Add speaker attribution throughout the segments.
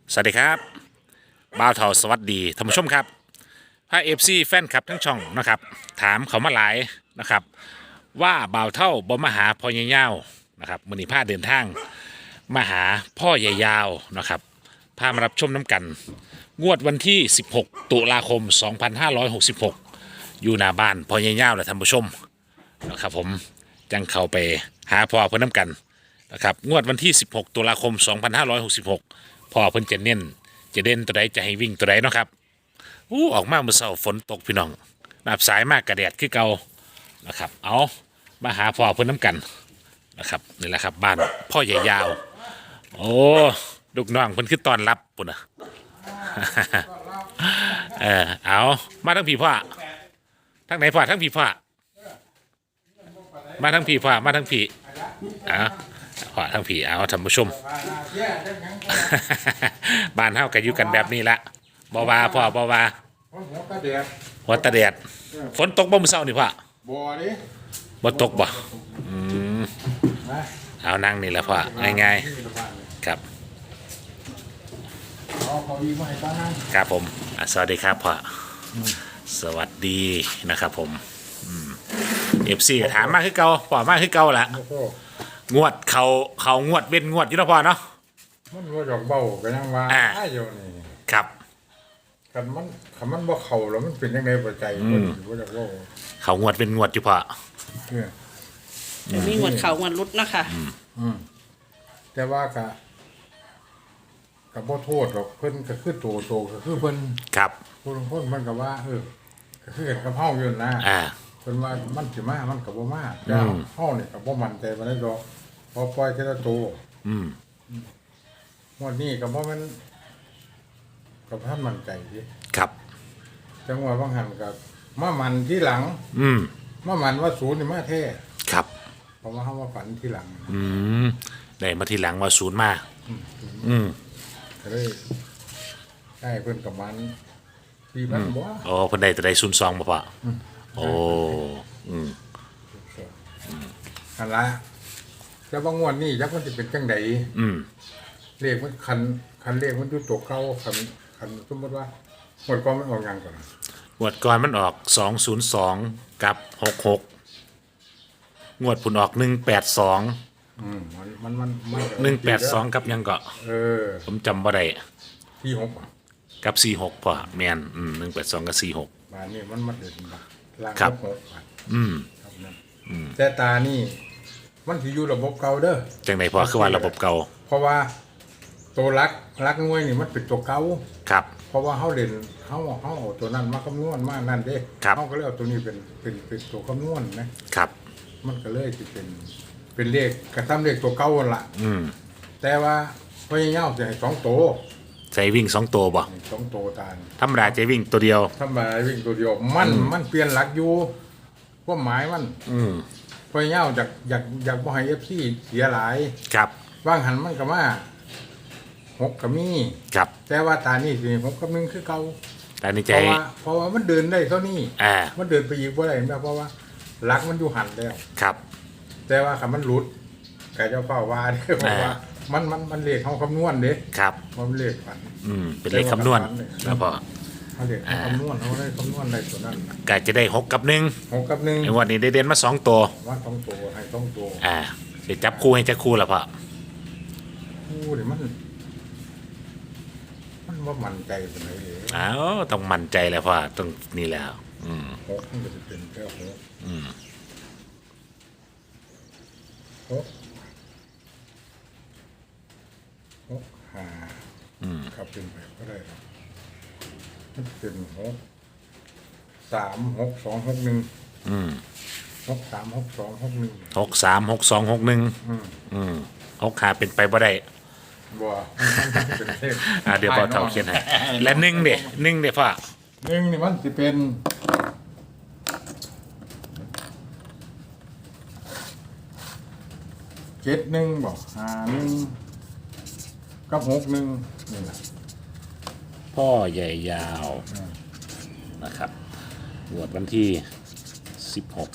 Speaker 1: สวัสดีครับบ่าวเทาสวัสดีท่านผู้ชมครับพาเอฟซีแฟนคลับทั้งช่องนะครับถามเขามาหลายนะครับว่าบ่าวเท่าบ่มาหาพ่อใหญ่ยาวนะครับมื้อนี้พาเดินทางมาหาพ่อใหญ่ยาวนะครับพามารับชมน้ำกันงวดวันที่16ตุลาคม2566อยู่หน้าบ้านพ่อใหญ่ยาวแหละท่านผู้ชมนะครับผมจังเข้าไปหาพ่อเพิ่นน้ำกันนะครับงวดวันที่16ตุลาคม2566พ่อเพิ่นจะเน้นจะเด่นตัวใดจะให้วิ่งตัวใดเนาะครับออกมาเมื่อเช้าฝนตกพี่น้องนับสายมากกระแดดคือเก่านะครับเอามาหาพ่อเพิ่นน้ำกันนะครับนี่แหละครับบ้านพ่อใหญ่ยาวโอ้ลูกน้องเพิ่นคือตอนรับปุ่นนะ เอามาทั้งพี่พ่อทั้งไหนพ่อทั้งพี่พ่อมาทั้งพี่พ่อมาทั้งพี่เอาพ่อทั้งพี่เอาท่านผู้ชม บ้านเฮาก็อยู่กันแบบนี้ละบ่ว่าพ่อบ่ว่า
Speaker 2: หัวกระเดียด
Speaker 1: หัวตะแดดฝนตกบ่มื้อเช้านี่พ่อ
Speaker 2: บัวดิ
Speaker 1: บ่ตกบ่ม
Speaker 2: นะ
Speaker 1: เอานั่งนี่แหละพ่อง่ายๆครับ
Speaker 2: เอาเขาดีมาให้ตั้งนั่ง
Speaker 1: ครับผมสวัสดีครับพ่อสวัสดีนะครับผมFC ก็ถามมาคือเก่าพ่อมาคือเก่าละ
Speaker 2: โอ้โห
Speaker 1: งวดเขางวดเว้นงวดอยู่เนาะพ่อเนาะ
Speaker 2: มันว่าดอกเบากันยังว่าอยู่นี่
Speaker 1: ครับ
Speaker 2: คันมันบ่เข้าแล้วมันเป็นยังไงบ่ใจมันว่าดอกเบา
Speaker 1: เขางวดเว้นงวดอยู่พ่อ
Speaker 2: เนี่ย
Speaker 3: เดี๋ยวมีงวดเขางวดรุดเนาะคะ
Speaker 2: แต่ว่าก็บ่โทษหรอกเพิ่นก็คือโตก็คือเพิ่น
Speaker 1: ครับ
Speaker 2: คนมันก็ว่าก็คือกันกับเฮาอยู่นะเพิ่นว่ามันสิมามันก็บ่มาแต่เฮานี่ก็บ่มั่นใจบ่ได้ดอกพอปล่อยทีละโตงวดนี้ก็บ่แม่นกับท่านมั่นใจสิ
Speaker 1: ครับ
Speaker 2: จังหวะบางหันกับมามันที่หลังมามันว่าศูนย์นี่มาแท้
Speaker 1: ครับ
Speaker 2: เพราะว่าเขามาฝันที่หลัง
Speaker 1: ได้มาทีหลังว่าศูนย์มา
Speaker 2: ก็เลยได้เพิ่นกับมันที่มันบ่
Speaker 1: โอ้เพิ่นได้แต่ได้02บ่พ่อโอ้
Speaker 2: อันละแต่บางงวดนี้จักมันสิเป็นจังไดเลขมันคันเลขมันอยู่ตัวเก่าคันสมมุติว่างวดก่อนมันออกหยังก่อน
Speaker 1: งวดก่อนมันออก202กับ66งวดผุนออก182
Speaker 2: มัน
Speaker 1: 182กับยังก็ผมจำบ่ได้
Speaker 2: 46
Speaker 1: กับ46พ่อแม่น182กับ46
Speaker 2: บ้านนี้มันเด่นบ่ล่างกับ6ครับแต่ตานี่มันสิอยู่ระบบเก่าเด้อ
Speaker 1: จังได๋พ่อคือว่าระบบเก่า
Speaker 2: เพราะว่าตัวรักหน่วยนี่มันเป็นตัวเก่า
Speaker 1: ครับ
Speaker 2: เพราะว่าเฮาเล่นเฮาเอาตัวนั้นมาคำนวณมานั่นเด้เฮาก็เลยเอาตัวนี้เป็นตัวคำนวณนะครับมันก็เลยสิเป็นเลขกระทำเลขตัวเก่านั่นล่ะแต่ว่าพยายามสิให้2ตัว
Speaker 1: ใส่วิ่ง2ตัวบ่
Speaker 2: 2ตัวตา
Speaker 1: ธรรมดาจะวิ่งตัวเดียว
Speaker 2: ธรรมดาวิ่งตัวเดียวมันเปลี่ยนหลักอยู่ความหมายมันพยายามอยากบ่ให้ FC เสียหลาย
Speaker 1: ครับ
Speaker 2: วางหันมันก็มา6ก็มี
Speaker 1: ครับ
Speaker 2: แต่ว่าตานี่สิ6กับ1คือเก่า
Speaker 1: ตานี่ใจ
Speaker 2: เพราะว่ามันเดินได้เท่านี้มันเดินไปอีกบ่ได้เพราะว่าหลักมันอยู่หันแล้ว
Speaker 1: ครับ
Speaker 2: แต่ว่าคันมันหลุดก็เจ้าเฝ้าว่าเด้เพราะว่ามันเลขเฮาคำนวณเด้
Speaker 1: ครับ
Speaker 2: มันเลขฝัน
Speaker 1: เป็นเลขคำนวณแล้วพอ
Speaker 2: เลขคำนวณเฮาได้คำนวณได้ตัวนั้น
Speaker 1: ก็จะได้6กับ1
Speaker 2: 6กับ1
Speaker 1: ไอ้วันนี้ได้เด่นมา2ตัว
Speaker 2: ว่า2ตัวให้2ตัว
Speaker 1: สิจับคู่ให้จักคู่ล่ะพ่อ
Speaker 2: คู่นี่มันบ่มั่นใจปานใดเด้
Speaker 1: ต้องมั่นใจแหละพ่อต้องนี่แล้ว
Speaker 2: 6มันก็สิเป็นแค่6ครับเป็นไปก็ได้ครับมันเป็น6 3 6 2 6 1 6 3 6 2 6 1
Speaker 1: 6 3 6 2 6 1 6ขาเป็นไปบ่ได้
Speaker 2: บ่เป็นเลข
Speaker 1: เดี๋ยวพ่อเฒ่าเขียนให้และ1เด้1เด้พ่อ
Speaker 2: 1นี่มันสิเป็น71บ่51กับ61นี่ล่ะ
Speaker 1: พ่อใหญ่ยาวนะครับงวดวันที่16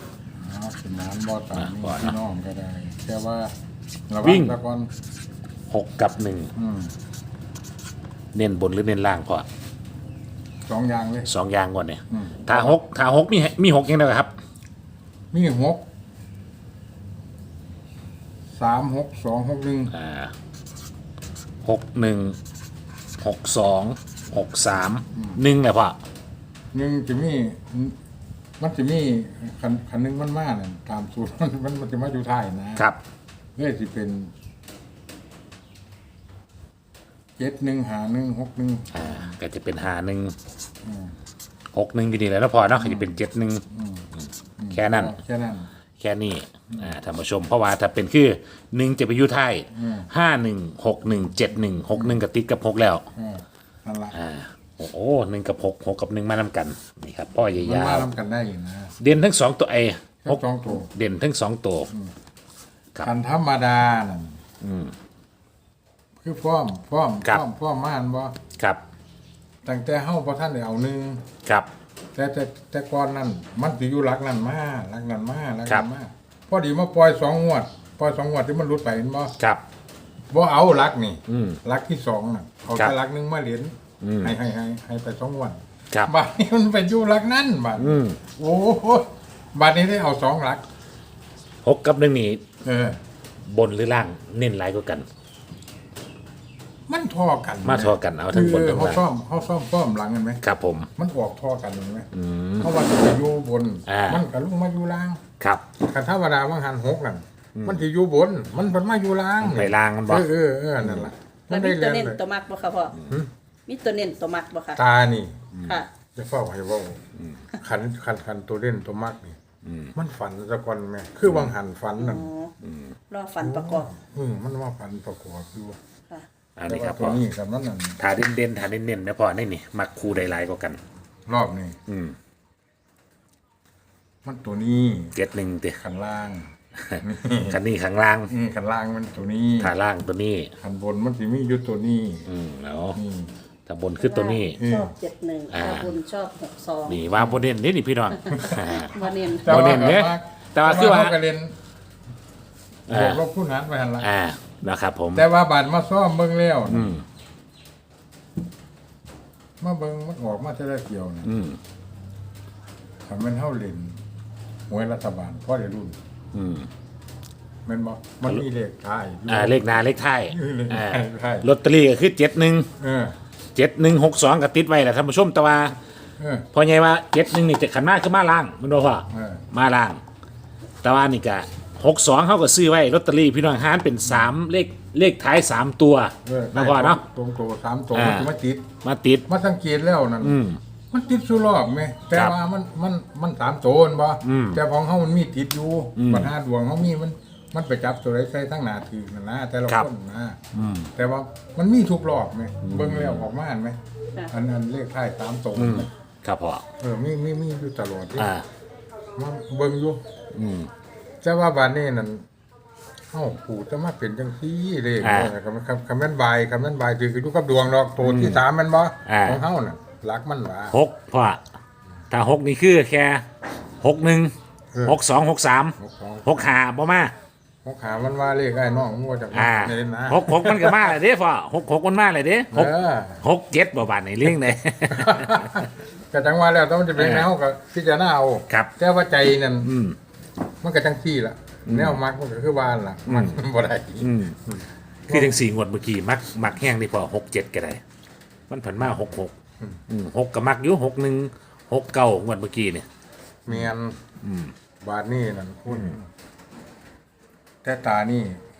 Speaker 2: เป็นน้ำบ่อตามพี่น้องก็ได้แต่ว่า
Speaker 1: วิ่ง 6 กับ 1
Speaker 2: อืม
Speaker 1: เน้นบนหรือเน้นล่างพอ
Speaker 2: สองอย่างเลย
Speaker 1: 2อย่างก่อนเนี่ย
Speaker 2: อืม
Speaker 1: ถ้าหกมี6ยังไงครับ
Speaker 2: มีหกสามหกสองหกหนึ่ง
Speaker 1: 61 62 63 1เลยพ่อ
Speaker 2: หนึ่งจะมีมันจะมีคันหนึ่งมันมาเนี่ยตามสูตร มันจะมาอยู่ท้ายนะครับ เลยสิเป็น715161
Speaker 1: ก็จะเป็น51 61อยู่นี่แหล้วนะพ่อเนาะก็จะเป็น71แค่นั้น
Speaker 2: แค่นั้น
Speaker 1: แค่นี้ท่านผู้ชมเพราะว่าถ้าเป็นคือ1จะไปอยู่ท้าย51 61 71 61กับติดกับ6แล้ว
Speaker 2: นั่นละ
Speaker 1: โอ้โห1กับ6 6กับ1มานำกันนี่ครับพ่อใหญ่
Speaker 2: มัน
Speaker 1: ยาม
Speaker 2: าว ทำกันได้อยู่นะ
Speaker 1: เด่นทั้ง2ตัว
Speaker 2: ทั้งสองตัว
Speaker 1: เด่นทั้ง2ตัว ครับ
Speaker 2: คันธรรมดานั่นคือพร้อมม่านบ่
Speaker 1: ครับ
Speaker 2: ตั้งแต่เฮาบ่ทันได้เอาหนึ่ง
Speaker 1: ครับ
Speaker 2: แต่ก่อนนั้นมันสิอยู่หลักนั้นมา
Speaker 1: ครับ
Speaker 2: พอดีมาปล่อย2 งวดที่มันหลุดไปเห็นบ่
Speaker 1: ครับ
Speaker 2: บ่เอาหลักนี่
Speaker 1: อืม
Speaker 2: หลักที่2น่ะเอา
Speaker 1: ครั
Speaker 2: แต่
Speaker 1: บ
Speaker 2: หลักหนึงมาเหรียญให้ไป2 งวด
Speaker 1: ครับ
Speaker 2: บัดนี้มันไปอยู่หลักนั้นบัดโอ้โหบัดนี้ได้เอา2 หลัก
Speaker 1: 6กับ1นี่
Speaker 2: บ
Speaker 1: นหรือล่างเน้นหลายกว่ากัน
Speaker 2: มันท่อกัน
Speaker 1: มาทอกันเอาทั้งบนทั้ง
Speaker 2: เขา
Speaker 1: ล่าง
Speaker 2: ซ่อมหลังกันไหม
Speaker 1: ครับผม
Speaker 2: มันออกท่อกันเห็นไหมเพราะว่าจะไปอยู่บน มันก็ลงมาอยู่ล่าง
Speaker 1: ครับ
Speaker 2: คันธรรมดาบางหันหกนั่นมันจะอยู่บน มันเป็นมาอยู่ล่าง
Speaker 1: ไปล่างมันบอก
Speaker 2: นั่นแหละ
Speaker 3: แล้วมีตัวเน้นตัวมักบ่คะพ่อมีตัวเน้นตัวมักบ่คะ
Speaker 2: ตานี่
Speaker 3: ค่ะ
Speaker 2: จะเฝ้าให้เว่าขันตัวเล่นตัวมากนี่มันฝันสะก่อนแม่คือบางหันฝันนั่น
Speaker 3: รอฟันประกอบ
Speaker 2: มันว่าฝันประกอบอยู่
Speaker 3: ค่ะ
Speaker 1: อัน
Speaker 2: แต่
Speaker 1: นี้ค
Speaker 2: ว่า
Speaker 1: รับ
Speaker 2: ตัว
Speaker 1: พ่อ
Speaker 2: นี้กับนั้นนั่น
Speaker 1: ถ้าเด่นๆถ้าเน้นๆนะพ่อนี่มักคู่ใดหลายกว่ากัน
Speaker 2: รอบนี้
Speaker 1: อืม
Speaker 2: มันตัวนี้
Speaker 1: 71ติ
Speaker 2: ขันล่าง
Speaker 1: คันนี้ข้างล่าง
Speaker 2: ขันล่างมันตัวนี้
Speaker 1: ถ้าล่างตัวนี้
Speaker 2: ขันบนมันสิมีอยู่ตัวนี้
Speaker 1: เนาะ
Speaker 2: นี่
Speaker 1: ถ้าบนคือตัวนี้
Speaker 3: ชอบ71ถ้าบุญชอบ62
Speaker 1: นี่ว่าบ่เน้นนี่พี่น้อง
Speaker 3: บ่เน้น
Speaker 1: บ่เน้นเนี่ยแต่ว่าคือว่า
Speaker 2: เขก็เล่นบวกลบคูณหารไปหันละ
Speaker 1: นะครับผม
Speaker 2: แต่ว่าบาดมาซ่อมเบิ่งแล้วมาเบิ่งมันออกมาจะได้เกี่ยวนะถ้ามันเฮาเล่นหวยรัฐบาลพอได้รุ่นแม่นบ่มันมีเลขท้ายอยู่
Speaker 1: เลขหน้าเลขท้าย
Speaker 2: เลขท้าย
Speaker 1: ลอตเตอรี่ก็คือ71
Speaker 2: เออ
Speaker 1: 7162ก็ติดไว้แหละท่านผู้ชมแต่ว่า
Speaker 2: เออ
Speaker 1: พอไงว่า71นี่จะขันมาคือมาล่างมันบ่พ่อ มาล่าง แต่ว่านี่ก็62เขาก็ซื้อไว้ลอตเตอรี่พี่น้องหารเป็น3เลขท้าย3ตัวนะพ่อเนาะ
Speaker 2: ตรงตัว3ตัวมันสิมาติด
Speaker 1: มาติด
Speaker 2: มาสังเกตแล้วนั่นมันติดสุรอบไหมแต่ว่ามัน3ตัวบ่แต่ของเฮามันมีติดอยู่ปัญหาดวงเฮามีมันไปจับตัวใดใส่ทั้งหน้าถือนั่นนะแต่ละคนนะแต่ว่ามันมีทุกรอบไหมเบิ่งแล้วออกมาไหมอันเลขท้าย3ตัวไหม
Speaker 1: ครับพ่อ
Speaker 2: มีอยู่ตลอดที่
Speaker 1: อ่า
Speaker 2: มาเบิ่งอยู่แต่ว่าบานนี้นั่นเอ้าปู่จะมาเป็นจังซี่เลยคำนั้นบายถืออยู่กับดวงดอกตัวที่3มันบ่ของเฮาน่ะรักมันว่า
Speaker 1: 6พ่อถ้า6นี่คือแค่61 62 63 65บ่มา
Speaker 2: หกขามันว่าเลขไอ้น้องมันว่าจากเล่นนะ
Speaker 1: 66มันก็มาเลยเด้พ่อ66มันมาเลยเด้67บ่บาดนี่เลี้ยงได้
Speaker 2: ก็จังว่าแล้วต้องมันจะเป็นแนวก็พิจารณาเอา
Speaker 1: ครับ
Speaker 2: แต่ว่าใจนั่นมันก็จังซี่ล่ะแนวมักมันก็คือบ้านล่ะมันบ่ได้
Speaker 1: คือทั้ง4งวดเมื่อกี้มักแห้งนี่พอ67ก็ได้มันผันมา66 6ก็มักอยู่61 69งวดเมื่อกี้นี่
Speaker 2: เมียนบาทนี่นั่นคุณแต่ตานี่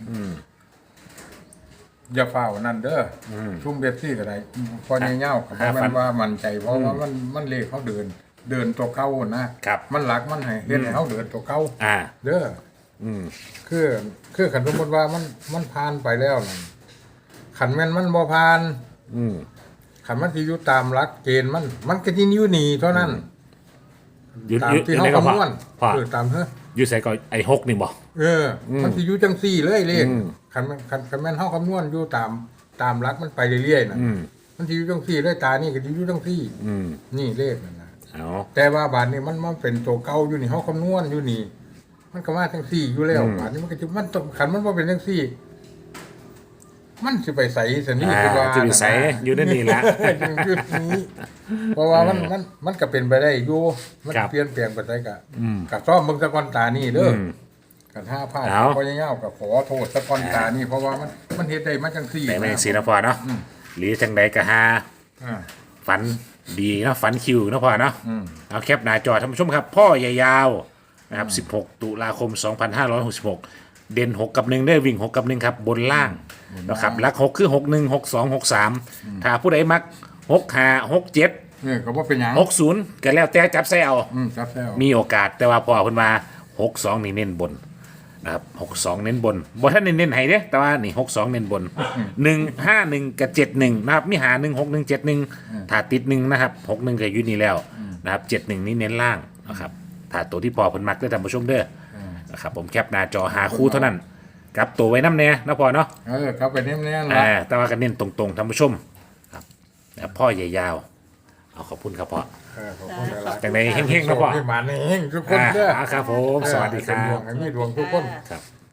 Speaker 2: อย่าเฝ้านั่นเด้อชุ่มเบปซี่ก็ได้พอเงี้ยวๆเพราะมันว่ามันใจเพราะว่ามันเลขเขาเดินตัวเก้านะครับ มันหลักมันให้เฮ็ดให้เขาเดินตัวเก้าเด้อคือขันสมมติว่ามันผ่านไปแล้วนั่นขันแม่นมันบ่ผ่านขันมันที่อยู่ตามหลักเกณฑ์มันก็ที่อยู่นี่เท่านั้น ตามที่เขาคำนวณตามเถอะ
Speaker 1: อยู่ใส่ก็ไอ้6นี่บ่
Speaker 2: มันสิอยู่จังซี่เลยเลขคันแม่นเฮาคำนวณอยู่ตามหลักมันไปเรื่อยๆน่ะมันสิอยู่จังซี่เลยตานี่ก็สิอยู่จังซี่นี่เลขนั่นน่ะแต่ว่าบาทนี้มันเป็นตัวเก่าอยู่นี่เฮาคำนวณอยู่นี่มันก็มาจังซี่อยู่แล้วบาทนี้มันก็สิมันต้องคันมันบ่เป็นจังซี่มันสิไปใส่สนี่
Speaker 1: อ่าจะมีใสอยู่ในนี่ละ
Speaker 2: อยู่นี้เพราะว่ามันก็เป็นไปได้อยู่มัน
Speaker 1: ครับ
Speaker 2: เปลี่ยนแปลงไปได้กับซ่อมเบิ่งตะกอนตานี่เด้อกันห้าผ้า
Speaker 1: เอา
Speaker 2: พอยาวๆกับขอโทษตะกอนตานี่เพราะว่ามันเฮ็ดได้มาจังซี่
Speaker 1: แต่ไม่สีนะพอเนาะหรือจังใดก็หา
Speaker 2: อ่า
Speaker 1: ฝันดีเนาะฝันคิวเนาะพอเนาะ
Speaker 2: อืม
Speaker 1: เอาแคปหน้าจอท่านผู้ชมครับพ่อใหญ่ยาวนะครับ16 ตุลาคม 2566 เด่น6 กับ 1ได้วิ่ง 6 กับ 1 ครับ บนล่างนะครับลัก 6 คือ 6 1 6 2 6 3 ถ้าผู้ใดมัก 6 5 6 7
Speaker 2: เนี่ยก็บ่เป็นหยัง
Speaker 1: 6 0ก็แล้วแต่จับใส่เอา
Speaker 2: ครับแล้ว
Speaker 1: มีโอกาสแต่ว่าพอเพิ่นมา62 นี่เน้นบนนะครับ62 เน้นบนบ่ท่านเน้นให้เด้แต่ว่านี่62 เน้นบน 151 กับ 71 นะครับมีหา 16171 ถ้าติด 1 นะครับ 61 ก็อยู่นี่แล้วนะครับ 71 นี่เน้นล่างนะครับถ้าตัวที่พอเพิ่นมักได้อท่านผู้ชมเด้อนะครับผมแคปหน้าจอหาคู่เท่านั้นกลับตัวไว้น้ำแน่นะพอเนาะ
Speaker 2: ครับไปแน่ๆล่ะ
Speaker 1: แต่ว่าก็เน้นตรงๆท่านผู้ชมครับแล้วพ่อใหญ่ยาวเอาขอบคุณครับพ่อ
Speaker 2: ขอบคุณหลายๆ
Speaker 1: จังไดเฮงๆนะพ่อ
Speaker 2: ให้มาเฮงทุกคนเด้อ
Speaker 1: ครับผมสวัสดีครับ
Speaker 2: ให้มีดวงทุกคน
Speaker 1: ครับ